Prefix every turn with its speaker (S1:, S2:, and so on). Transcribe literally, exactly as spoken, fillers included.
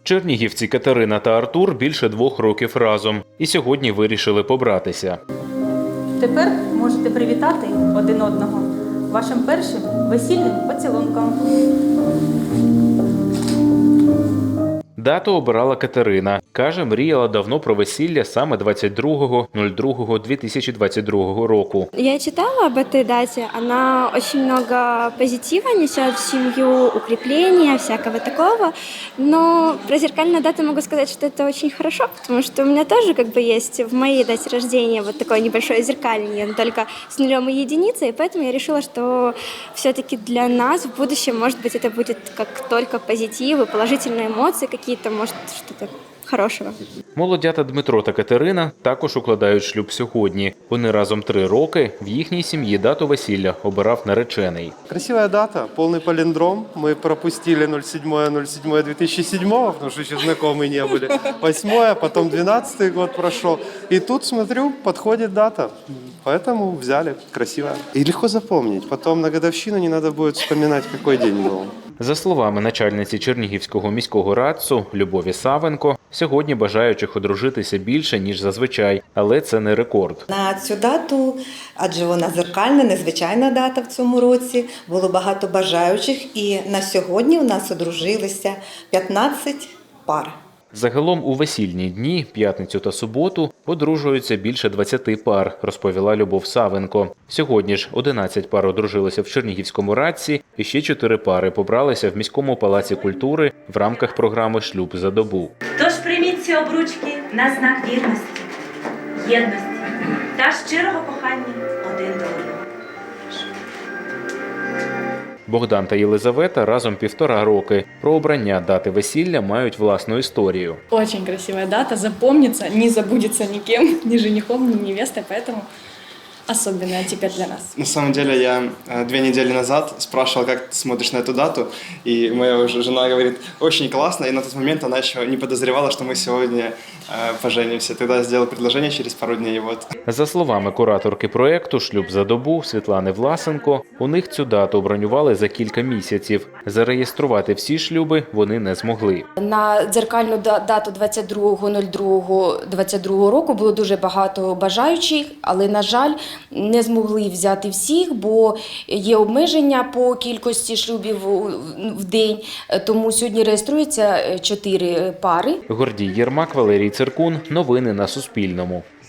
S1: Чернігівці Катерина та Артур більше двох років разом. І сьогодні вирішили побратися.
S2: Тепер можете привітати один одного вашим першим весільним поцілунком.
S1: Дату обирала Катерина. Каже, мріяла давно про весілля саме двадцять другого лютого дві тисячі двадцять другого року.
S3: Я читала об этой дате. Она очень много позитива несет в семью, укрепления, всякого такого. Но про зеркальную дату могу сказать, что это очень хорошо, потому что у меня тоже как бы есть в моей дате рождения вот такое небольшое зеркальное, но только с нулем и единицей. И поэтому я решила, что все-таки для нас в будущем, может быть, это будет как только позитив и положительные эмоции какие-то, может, что-то хорошого.
S1: Молодята Дмитро та Катерина також укладають шлюб сьогодні. Вони разом три роки. В їхній сім'ї дату весілля обирав наречений.
S4: Красивая дата, полный палиндром. Мы пропустили ноль седьмое ноль седьмое две тысячи седьмого, потому что еще знакомые не были. Восьмое, потом двенадцатый год прошел. И тут, смотрю, подходит дата. Поэтому взяли. Красивая. И легко запомнить. Потом на годовщину не надо будет вспоминать, какой день был.
S1: За словами начальниці Чернігівського міського радцу Любові Савенко, сьогодні бажаючих одружитися більше, ніж зазвичай, але це не рекорд.
S5: На цю дату, адже вона зеркальна, незвичайна дата в цьому році, було багато бажаючих, і на сьогодні у нас одружилися п'ятнадцять пар.
S1: Загалом у весільні дні, п'ятницю та суботу, одружуються більше двадцяти пар, розповіла Любов Савенко. Сьогодні ж одинадцять пар одружилися в Чернігівському радці, і ще чотири пари побралися в міському палаці культури в рамках програми «Шлюб за добу».
S6: Тож прийміть ці обручки на знак вірності, єдності та щирого кохання один до одного.
S1: Богдан та Єлизавета разом півтора роки. Про обрання дати весілля мають власну історію.
S7: Очень красивая дата, запомнится, не забудется никем, ни женихом, ни невестой, поэтому особенная теперь для нас.
S8: На самом деле я две недели назад спрашивал, как ты смотришь на эту дату, и моя уже жена говорит, очень классно, и на тот момент она еще не подозревала, что мы сегодня поженимся. Тогда я сделал предложение через пару дней, и вот.
S1: За словами кураторки проєкту «Шлюб за добу» Світлани Власенко, у них цю дату бронювали за кілька місяців. Зареєструвати всі шлюби вони не змогли.
S9: На дзеркальну дату двадцять другого лютого двадцять другого року було дуже багато бажаючих, але, на жаль, не змогли взяти всіх, бо є обмеження по кількості шлюбів в день, тому сьогодні реєструється чотири пари.
S1: Гордій Єрмак, Валерій Циркун. Новини на Суспільному.